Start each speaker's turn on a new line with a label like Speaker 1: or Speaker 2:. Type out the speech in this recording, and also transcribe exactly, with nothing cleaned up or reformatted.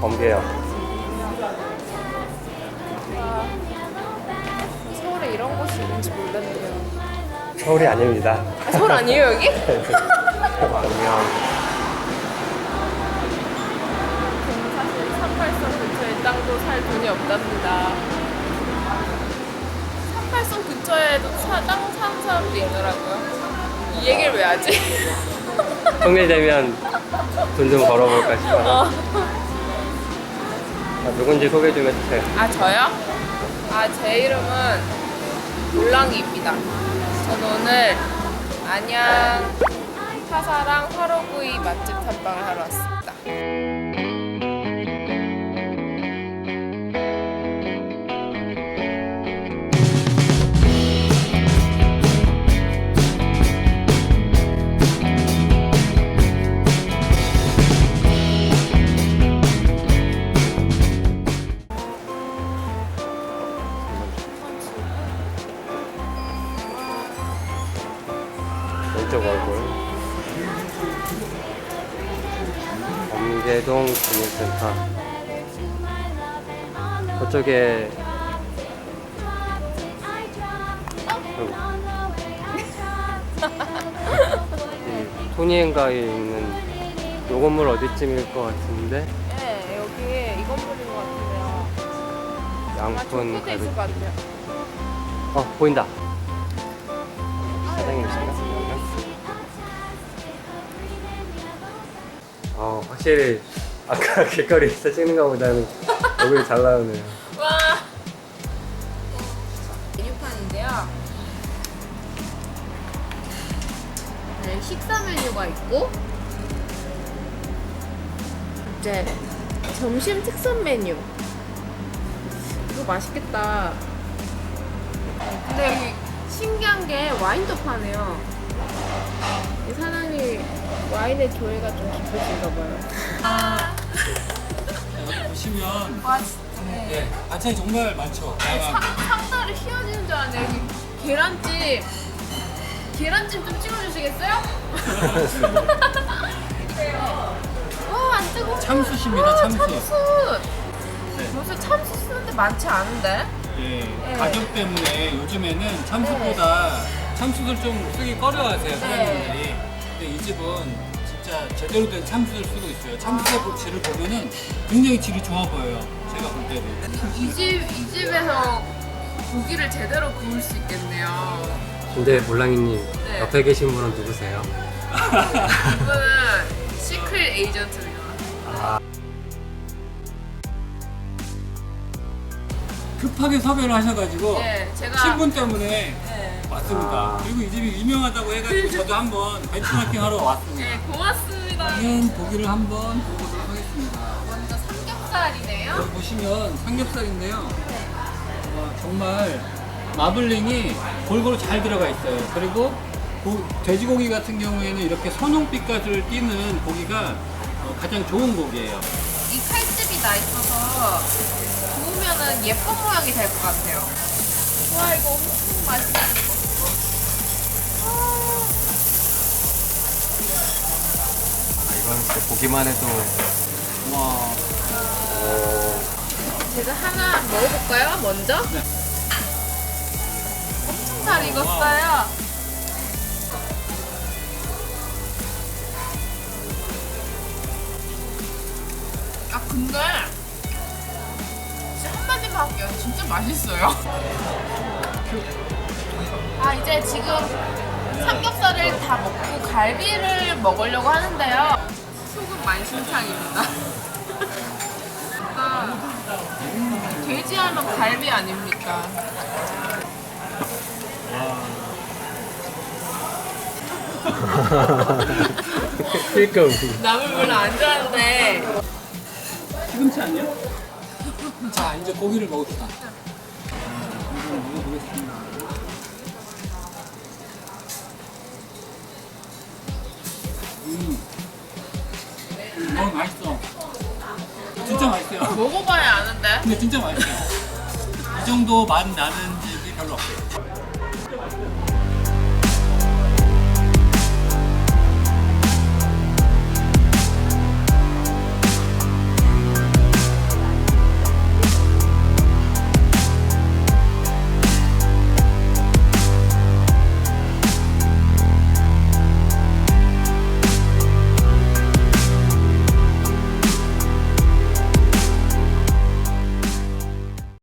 Speaker 1: 범계요.
Speaker 2: 아, 서울에 이런 곳이 있는지 몰랐네요.
Speaker 1: 서울이 아닙니다.
Speaker 2: 아, 서울 아니에요 여기?
Speaker 1: 광명.
Speaker 2: 저는 사실 삼팔선 근처에 땅도 살 돈이 없답니다. 삼팔선 근처에도 사, 땅 사는 사람도 있더라고요. 이 얘기를 왜 하지?
Speaker 1: 통일되면 돈 좀 벌어볼까 싶어서.
Speaker 2: 어.
Speaker 1: 아, 누군지 소개 좀 해주세요.
Speaker 2: 아 저요? 아 제 이름은 몰랑이입니다. 저는 오늘 안양 사사랑 화로구이 맛집 탐방을 하러 왔습니다.
Speaker 1: 왼쪽 얼굴. 범계동 주민센터. 그쪽에 이 토니엔가에 있는 요 건물 어디쯤일 것 같은데
Speaker 2: 네, 여기 이 건물인 것 같은데요. 아마
Speaker 1: 양푼
Speaker 2: 족구대 있을 것
Speaker 1: 가루.
Speaker 2: 같아요.
Speaker 1: 어 보인다. 사장님이신가? 어 확실히 아까 길거리에서 찍는 것보다는 얼굴이 잘 나오네요.
Speaker 2: 와! 메뉴판인데요. 네, 식사 메뉴가 있고 이제 점심 특선 메뉴. 이거 맛있겠다. 근데 여기 신기한 게 와인도 파네요. 이 사장님이 와인의 조예가 좀 깊으신가 봐요. 아,
Speaker 3: 여기 보시면
Speaker 2: 와 진짜.
Speaker 3: 예, 반찬이 정말 많죠.
Speaker 2: 상,
Speaker 3: 다양한
Speaker 2: 상다리 휘어지는 줄 알았네. 여기 계란찜. 계란찜 좀 찍어주시겠어요? 와, 안 뜨거워.
Speaker 3: 참숯입니다,
Speaker 2: 와,
Speaker 3: 참숯.
Speaker 2: 참숯.
Speaker 3: 네.
Speaker 2: 요새 참숯 쓰는데 많지 않은데?
Speaker 3: 예,
Speaker 2: 네.
Speaker 3: 가격 때문에 요즘에는 참숯보다 참숯을 좀 쓰기 꺼려하세요 사장님들이. 근데 이 집은 진짜 제대로 된 참숯을 쓰고 있어요. 참숯의
Speaker 2: 아.
Speaker 3: 질을 보면은 굉장히 질이 좋아 보여요. 제가 볼 때도.
Speaker 2: 이 집, 이 집에서 고기를 제대로 구울 수 있겠네요.
Speaker 1: 근데 몰랑이님
Speaker 2: 네.
Speaker 1: 옆에 계신 분은 누구세요?
Speaker 2: 이분은 시크릿 에이전트입니다.
Speaker 3: 급하게 섭외를 하셔가지고
Speaker 2: 네, 제가.
Speaker 3: 신분 때문에
Speaker 2: 네.
Speaker 3: 왔습니다.
Speaker 1: 아.
Speaker 3: 그리고 이 집이 유명하다고 해가지고 저도 한번 벤치마킹 하러 왔습니다.
Speaker 2: 네, 고맙습니다.
Speaker 3: 그러면 고기를 한번 보도록 하겠습니다.
Speaker 2: 먼저 삼겹살이네요.
Speaker 3: 여기 보시면 삼겹살인데요. 와, 정말 마블링이 골고루 잘 들어가 있어요. 그리고 고- 돼지고기 같은 경우에는 이렇게 선홍빛깔을 띠는 고기가 어, 가장 좋은 고기예요.
Speaker 2: 이 칼집이 나 있어서 구우면은 예쁜 모양이 될 것 같아요. 와, 이거 엄청 맛있는 거.
Speaker 1: 아 이건 진짜 보기만 해도
Speaker 3: 와,
Speaker 2: 제가 하나 먹어볼까요? 먼저?
Speaker 3: 네.
Speaker 2: 엄청 잘 익었어요. 아 근데 진짜 한마디만 할게요. 진짜 맛있어요. 아 이제 지금 삼겹살을 다 먹고 갈비를 먹으려고 하는데요. 속은 만신창입니다. 아, 돼지 하면 갈비 아닙니까?
Speaker 1: 그러니까 우리
Speaker 2: 나물 별로 안 좋아하는데
Speaker 3: 시금치 아니야? 자, 이제 고기를 먹읍시다. 한번 먹어보겠습니다. 음, 어 맛있어. 진짜 맛있어요.
Speaker 2: 먹어봐야 아는데.
Speaker 3: 근데 진짜 맛있어요. 이 정도 맛 나는 집이 별로 없어요.